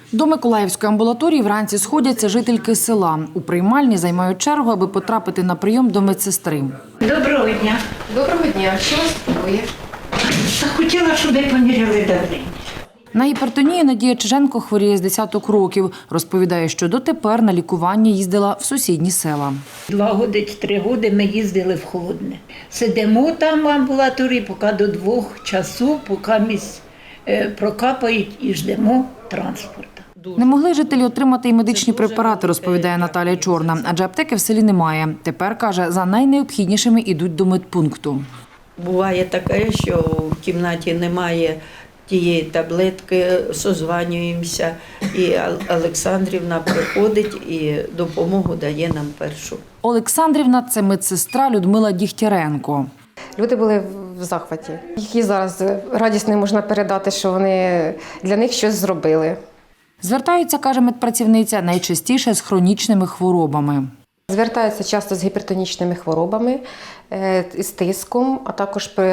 До Миколаївської амбулаторії вранці сходяться жительки села. У приймальні займають чергу, аби потрапити на прийом до медсестри. Доброго дня. Доброго дня. Що вас турбує? Та хотіла, щоб ви поміряли давлення. На гіпертонію Надія Чиженко хворіє з десяток років. Розповідає, що дотепер на лікування їздила в сусідні села. 2 роки, 3 роки ми їздили в Холодне. Сидимо там в амбулаторії, поки до 2 часу, поки місць прокапають і ждемо транспорту. Не могли жителі отримати і медичні препарати, розповідає Наталія Чорна, адже аптеки в селі немає. Тепер, каже, за найнеобхіднішими йдуть до медпункту. Буває таке, що в кімнаті немає тієї таблетки, созванюємося, і Олександрівна приходить і допомогу дає нам першу. Олександрівна – це медсестра Людмила Дігтяренко. Люди були в захваті. Їх і зараз радісно не можна передати, що вони для них щось зробили. Звертаються, каже медпрацівниця, найчастіше з хронічними хворобами. Звертаються часто з гіпертонічними хворобами, з тиском, а також при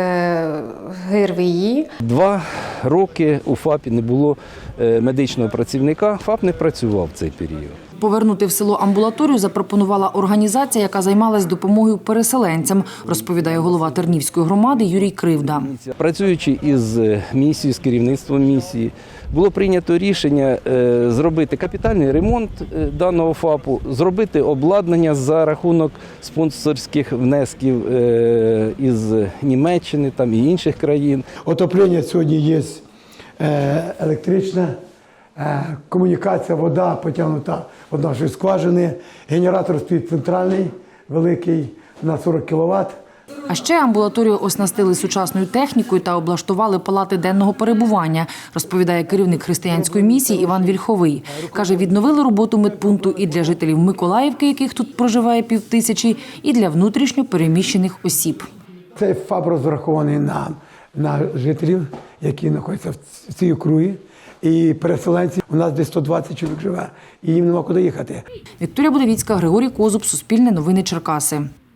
ГРВІ. 2 роки у ФАПі не було медичного працівника, ФАП не працював в цей період. Повернути в село амбулаторію запропонувала організація, яка займалась допомогою переселенцям, розповідає голова Тернівської громади Юрій Кривда. Працюючи із місією, з керівництвом місії, було прийнято рішення зробити капітальний ремонт даного ФАПу, зробити обладнання за рахунок спонсорських внесків із Німеччини там, і інших країн. Отоплення сьогодні є електричне, комунікація, вода потягнута від нашої скважини, генератор стоїть центральний, великий, на 40 кВт. А ще амбулаторію оснастили сучасною технікою та облаштували палати денного перебування, розповідає керівник християнської місії Іван Вільховий. Каже, відновили роботу медпункту і для жителів Миколаївки, яких тут проживає 5000, і для внутрішньо переміщених осіб. Цей ФАП розрахований на жителів, які знаходяться в цій округі. І переселенці, у нас десь 120 чоловік живе, і їм нема куди їхати. Вікторія Будовіцька, Григорій Козуб, Суспільне новини Черкаси.